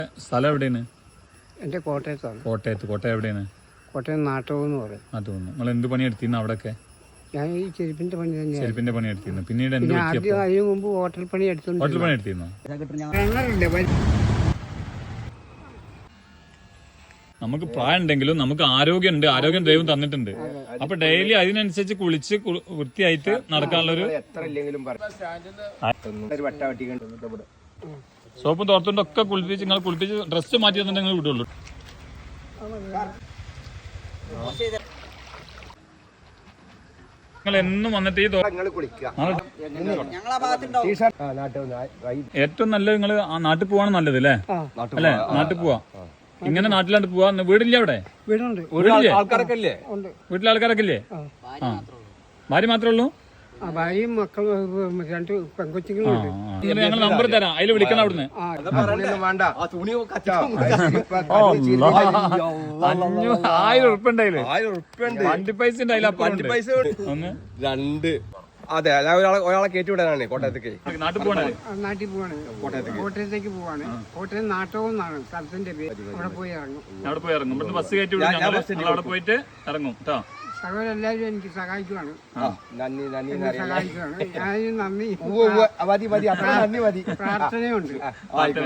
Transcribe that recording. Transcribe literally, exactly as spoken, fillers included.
സ്ഥലം എവിടെയാണ്? എൻ്റെ കോട്ടയത്താണ്. കോട്ടയത്ത്. കോട്ടയം എവിടെയാണ്? കോട്ടയം നാട്ടകം എന്ന് പറയും. നാട്ടുകുന്ന്. നിങ്ങൾ എന്ത് പണി എടുത്തിരുന്നു അവിടെയൊക്കെ? ഞാൻ ഈ ചെരുപ്പിന്റെ പണി തന്നെയാണ്. ചെരുപ്പിന്റെ പണി എടുത്തിരുന്നു. പിന്നീട് എന്ത് ആദ്യം അതിന് മുമ്പ് ഹോട്ടൽ പണി എടുത്തോണ്ട് ഹോട്ടൽ പണി എടുത്തിരുന്നു. നമുക്ക് പ്രായം ഉണ്ടെങ്കിലും നമുക്ക് ആരോഗ്യം ഉണ്ട്. ആരോഗ്യം ദൈവം തന്നിട്ടുണ്ട്. അപ്പൊ ഡെയിലി അതിനനുസരിച്ച് കുളിച്ച് വൃത്തിയായിട്ട് നടക്കാനുള്ളൊരു സോപ്പും തോർത്തും ഒക്കെ കുളിപ്പിച്ച് നിങ്ങൾ കുളിപ്പിച്ച് ഡ്രസ്സ് മാറ്റി തന്നിട്ട് നിങ്ങൾ വിടുള്ളൂ. നിങ്ങൾ എന്നും വന്നിട്ട് ഈ ഏറ്റവും നല്ലത് നിങ്ങൾ ആ നാട്ടിൽ പോവാണ് നല്ലത് അല്ലേ? അല്ലെ? നാട്ടിൽ പോവാ. ഇങ്ങനെ നാട്ടിലാണ്ട് പോവാ. വീടില്ലേ അവിടെ? വീടുണ്ട്. ആൾക്കാരൊക്കെ ഇല്ലേ? വീട്ടിലെ ആൾക്കാരൊക്കെ ഇല്ലേ? ആ ഭാര്യ മാത്രമേ ഉള്ളൂ? ഭാര്യയും മക്കളും രണ്ട് പെൺകൊച്ചുങ്ങളും. ഞങ്ങൾ നമ്പർ തരാം, അതിൽ വിളിക്കണം അവിടുന്ന്. ആയിരം ഉറുപ്പ ഉണ്ടായില്ലേ? വണ്ടി പൈസ ഒന്ന് രണ്ട്. അതെ, ഒരാളെ ഒരാളെ കയറ്റി വിടാനാണ് കോട്ടയത്തേക്ക്. നാട്ടിൽ പോകണേ? നാട്ടിൽ പോവാണ്. കോട്ടയത്തേക്ക് പോവാണ്. കോട്ടയം നാട്ടകം എന്നാണ് സ്ഥലത്തിന്റെ പേര്. അവിടെ പോയി ഇറങ്ങും. അവിടെ പോയി ഇറങ്ങും. ഇവിടുന്ന് ബസ് കയറ്റി വിടും. ഞങ്ങൾ അവിടെ പോയിട്ട് ഇറങ്ങും കേട്ടോ. സകലെല്ലാവരും എനിക്ക് സഹായിക്കുവാണ്. നന്ദി നന്ദി സഹായിക്കുവാണ്. ഞാൻ നന്ദി മതി മതി നന്ദി മതി. പ്രാർത്ഥനയുണ്ട്.